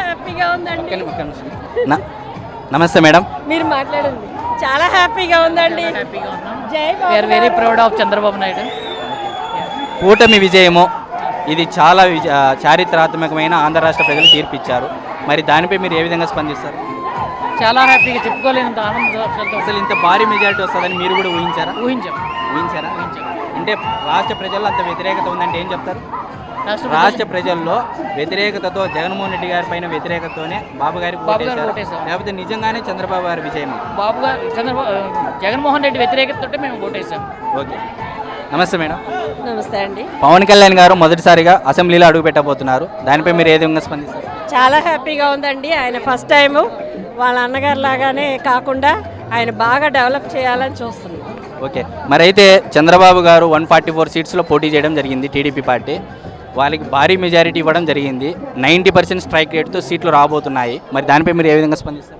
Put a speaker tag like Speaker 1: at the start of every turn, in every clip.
Speaker 1: హ్యాపీగా ఉందండి.
Speaker 2: నమస్తే మేడం.
Speaker 1: మీరు మాట్లాడండి. చాలా హ్యాపీగా ఉందండి. జై Babu.
Speaker 3: Very proud of Chandrababu Naidu.
Speaker 2: కూటమి విజయము ఇది చాలా చారిత్రాత్మకమైన ఆంధ్ర రాష్ట్ర ప్రజలు తీర్పిచ్చారు. మరి దానిపై మీరు ఏ విధంగా స్పందిస్తారు?
Speaker 3: చాలా హ్యాపీగా చెప్పుకోలేనంత ఆనందంతో.
Speaker 2: అసలు ఇంత భారీ మెజారిటీ వస్తుందని మీరు కూడా ఊహించారా? ఊహించారా? అంటే రాష్ట్ర ప్రజల్లో అంత వ్యతిరేకత ఉందంటే ఏం చెప్తారు? రాష్ట్ర ప్రజల్లో వ్యతిరేకతతో జగన్మోహన్ రెడ్డి గారి పైన వ్యతిరేకతతోనే బాబు గారికి ఓటేశారు, లేకపోతే నిజంగానే చంద్రబాబు గారి విజయం?
Speaker 3: బాబు గారు జగన్మోహన్ రెడ్డి వ్యతిరేకతతో మేము ఓటేసాం.
Speaker 2: ఓకే, నమస్తే మేడం.
Speaker 1: నమస్తే అండి.
Speaker 2: పవన్ కళ్యాణ్ గారు మొదటిసారిగా అసెంబ్లీలో అడుగు పెట్టబోతున్నారు. దానిపై మీరు ఏ విధంగా స్పందిస్తారు?
Speaker 1: చాలా హ్యాపీగా ఉందండి. ఆయన ఫస్ట్ టైము వాళ్ళ అన్నగారు లాగానే కాకుండా ఆయన బాగా డెవలప్ చేయాలని చూస్తున్నాం.
Speaker 2: ఓకే, మరి అయితే చంద్రబాబు గారు 144 సీట్స్లో పోటీ చేయడం జరిగింది. టీడీపీ పార్టీ వాళ్ళకి భారీ మెజారిటీ ఇవ్వడం జరిగింది. 90% స్ట్రైక్ రేట్తో సీట్లు రాబోతున్నాయి. మరి దానిపై మీరు ఏ విధంగా స్పందిస్తారు?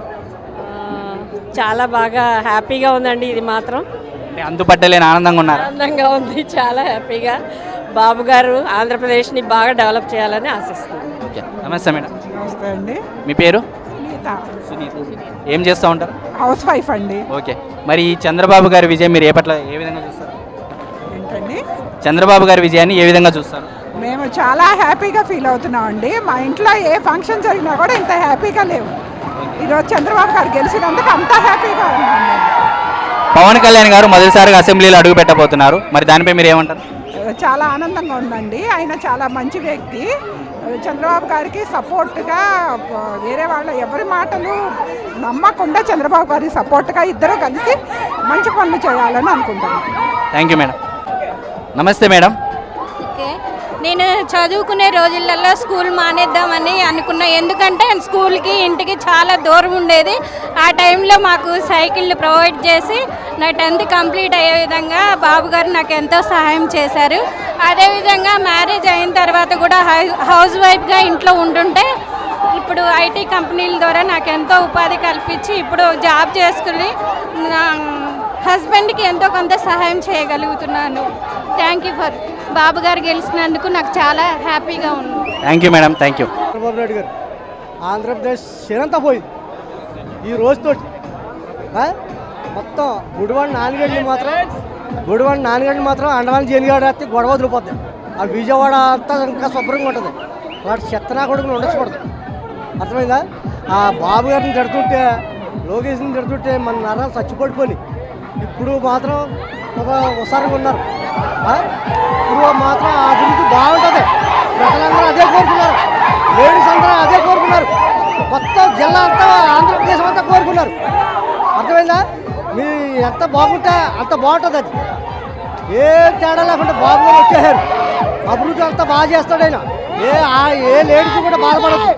Speaker 1: చాలా బాగా హ్యాపీగా ఉందండి. ఇది మాత్రం
Speaker 2: అంతుపట్టలేని ఆనందంగా ఉన్నారు.
Speaker 1: ఆనందంగా ఉంది. చాలా హ్యాపీగా బాబు గారు ఆంధ్రప్రదేశ్ని బాగా డెవలప్ చేయాలని ఆశిస్తున్నాను.
Speaker 2: ఓకే, నమస్తే మేడం.
Speaker 4: నమస్తే అండి.
Speaker 2: మీ పేరు?
Speaker 4: సునీత.
Speaker 2: ఏం చేస్తూ ఉంటారు?
Speaker 4: హౌస్ వైఫ్ అండి.
Speaker 2: ఓకే, మరి ఈ చంద్రబాబు గారి విజయం మీరు ఏ విధంగా చూస్తారు?
Speaker 4: ఏంటండి?
Speaker 2: చంద్రబాబు గారి విజయాన్ని ఏ విధంగా చూస్తారు?
Speaker 4: మేము చాలా హ్యాపీగా ఫీల్ అవుతున్నాం అండి. మా ఇంట్లో ఏ ఫంక్షన్ జరిగినా కూడా ఇంత హ్యాపీగా లేవు. ఈరోజు చంద్రబాబు గారు గెలిచినందుకు అంత హ్యాపీగా ఉన్నాం.
Speaker 2: పవన్ కళ్యాణ్ గారు మొదటిసారిగా అసెంబ్లీలో అడుగు పెట్టబోతున్నారు. మరి దానిపై మీరు ఏమంటారు?
Speaker 4: చాలా ఆనందంగా ఉందండి. ఆయన చాలా మంచి వ్యక్తి. చంద్రబాబు గారికి సపోర్ట్గా వేరే వాళ్ళ ఎవరి మాటలు నమ్మకుండా చంద్రబాబు గారికి సపోర్ట్గా ఇద్దరు కలిసి మంచి పనులు చేయాలని అనుకుంటున్నాను.
Speaker 2: Thank you madam. నమస్తే మేడం.
Speaker 5: ఓకే, నేను చదువుకునే రోజులలో స్కూల్ మానేద్దామని అనుకున్నా. ఎందుకంటే స్కూల్కి ఇంటికి చాలా దూరం ఉండేది. ఆ టైంలో మాకు సైకిళ్ళు ప్రొవైడ్ చేసి నా 10th కంప్లీట్ అయ్యే విధంగా బాబు గారు నాకు ఎంతో సహాయం చేశారు. అదేవిధంగా మ్యారేజ్ అయిన తర్వాత కూడా హౌస్ వైఫ్గా ఇంట్లో ఉంటుంటే ఇప్పుడు ఐటీ కంపెనీల ద్వారా నాకు ఎంతో ఉపాధి కల్పించి ఇప్పుడు జాబ్ చేసుకుని నా హస్బెండ్కి ఎంతో కొంత సహాయం చేయగలుగుతున్నాను. థ్యాంక్ యూ ఫర్ బాబు గారు గెలిచినందుకు నాకు చాలా హ్యాపీగా ఉంది.
Speaker 2: Thank you madam. Thank you.
Speaker 6: Chandrababu Naidu గారు ఆంధ్రప్రదేశ్ క్షీణంతా పోయింది ఈ రోజుతో. మొత్తం గుడివాడ నాన్నగడ్డలు మాత్రం అండమాన్ జైలుగాడు వస్తే గొడవ వదిలిపోద్ది. ఆ విజయవాడ అంతా ఇంకా శుభ్రంగా ఉంటుంది. వాటి చెత్తనా కొడుకులు ఉండకూడదు. అర్థమైందా? ఆ బాబు గారిని తిడుతుంటే, లోకేష్ని తిడుతుంటే మన నరాలు చచ్చిపడిపోయి ఇప్పుడు మాత్రం ఒక ఉసారంగా ఉన్నారు. ఇప్పుడు మాత్రం ఆ అభివృద్ధి బాగుంటుంది. ప్రజలందరూ అదే కోరుకున్నారు. లేడీస్ అందరూ అదే కోరుకున్నారు. మొత్తం జిల్లా అంతా ఆంధ్రప్రదేశ్ అంతా కోరుకున్నారు. అర్థమైందా? మీ ఎంత బాగుంటే అంత బాగుంటుంది. అది ఏ తేడా లేకుండా బాబు గారు వచ్చేసారు. అభివృద్ధి అంతా బాగా చేస్తాడు ఆయన. ఏ లేడీస్ కూడా బాధపడదు.